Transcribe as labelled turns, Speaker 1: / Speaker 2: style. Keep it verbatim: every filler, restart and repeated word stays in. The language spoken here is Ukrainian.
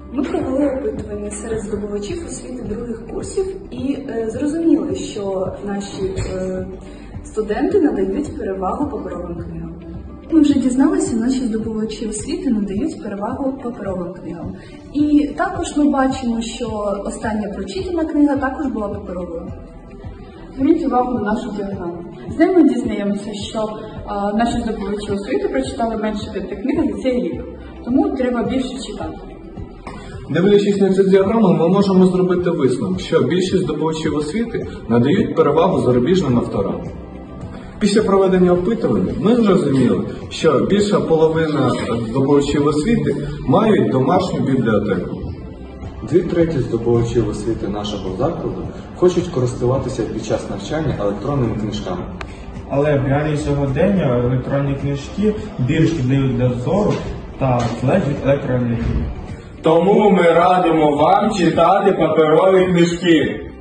Speaker 1: Ми провели опитування серед здобувачів освіти других курсів і е, зрозуміли, що наші е, студенти надають перевагу паперовим книгам. Ми вже дізналися, наші здобувачі освіти надають перевагу паперовим книгам. І також ми бачимо, що остання прочитана книга також була паперовою.
Speaker 2: Зверніть увагу на нашу діаграму. З нею ми дізнаємося, що а, наші здобувачі освіти прочитали менше п'яти книг за цей рік. Тому треба більше читати.
Speaker 3: Дивлячись на цю діаграму, ми можемо зробити висновок, що більшість здобувачів освіти надають перевагу зарубіжним авторам. Після проведення опитування ми зрозуміли, що більша половина здобувачів освіти мають домашню бібліотеку.
Speaker 4: Дві треті здобувачів освіти нашого закладу хочуть користуватися під час навчання електронними книжками.
Speaker 5: Але в реалії сьогодення електронні книжки більш шкідливі для зору та залежать від електроенергії.
Speaker 6: Тому ми радимо вам читати паперові книжки.